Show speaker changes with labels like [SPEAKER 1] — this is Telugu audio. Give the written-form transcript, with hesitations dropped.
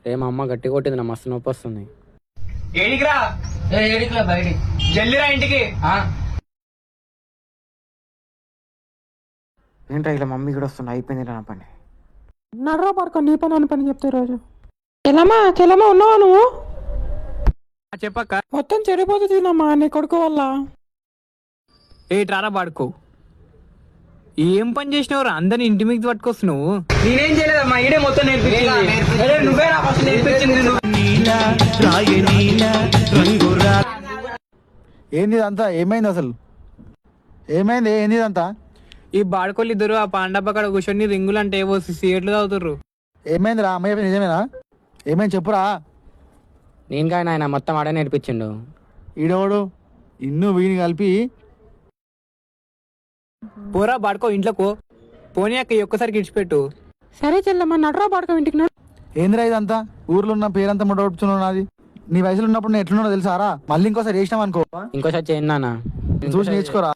[SPEAKER 1] మా అమ్మ గట్టి కొట్టింది, నా మస్తు నొప్పి వస్తుంది.
[SPEAKER 2] ఏడికిరా?
[SPEAKER 3] ఏడికిలా బయటికి.
[SPEAKER 2] జల్దిరా ఇంటికి.
[SPEAKER 4] ఏంట్రా ఇలా మమ్మీ కూడా వస్తుంది, అయిపోయింది నా పని.
[SPEAKER 5] నడరా పడుకో, నీ పని అని పని చెప్తే రోజు. చెల్లమ్మా ఉన్నావా నువ్వు?
[SPEAKER 2] చెప్పక్క.
[SPEAKER 5] మొత్తం చెడిపోతుందమ్మా నీ కొడుకు వల్ల.
[SPEAKER 2] ఏట్రారా బాడుకో, ఏం పని చేసినవరా? అందరిని ఇంటి మీద పట్టుకొస్తున్నావు. నేనేం చేయలేదమ్మా, ఈడే మొత్తం నేర్పించింది. నువ్వే నా ఫస్ట్ నేర్పించింది.
[SPEAKER 4] ఏంది ఇదంతా? ఏమైంది అసలు? ఏమైంది? ఏంది ఇదంతా?
[SPEAKER 2] ఈ బాడుకోళ్ళు ఇద్దరు ఆ పాండబ్బ కాడ కూర్చొని రింగులు అంటే ఏవో సీట్లు తాగుతుర్రు.
[SPEAKER 4] ఏమైంది రా? అమ్మాయి నిజమేనా? ఏమైంది చెప్పురా.
[SPEAKER 1] నేను కానీ ఆయన మొత్తం ఆడే నేర్పించిండు.
[SPEAKER 4] ఈడోడు ఇన్ను వీని కలిపి.
[SPEAKER 2] పోరా బాడుకో ఇంట్లోకో. పోనీ అక్క ఒక్కసారికి ఇడిచిపెట్టు.
[SPEAKER 5] సరే చెల్లమ్మా, నడరా పడుకో ఇంటికి. నడు.
[SPEAKER 4] ఏందిరా ఇదంతా? ఊర్లో ఉన్న పేరంతా ముడవడుచున్నావు నాది. నీ వయసులో ఉన్నప్పుడు నేను ఎట్లున్నాడో తెలుసారా? మళ్ళీ ఇంకోసారి చేసినాం అనుకో,
[SPEAKER 1] ఇంకోసారి చేయండి నాన్న.
[SPEAKER 4] చూసి నేర్చుకోరా.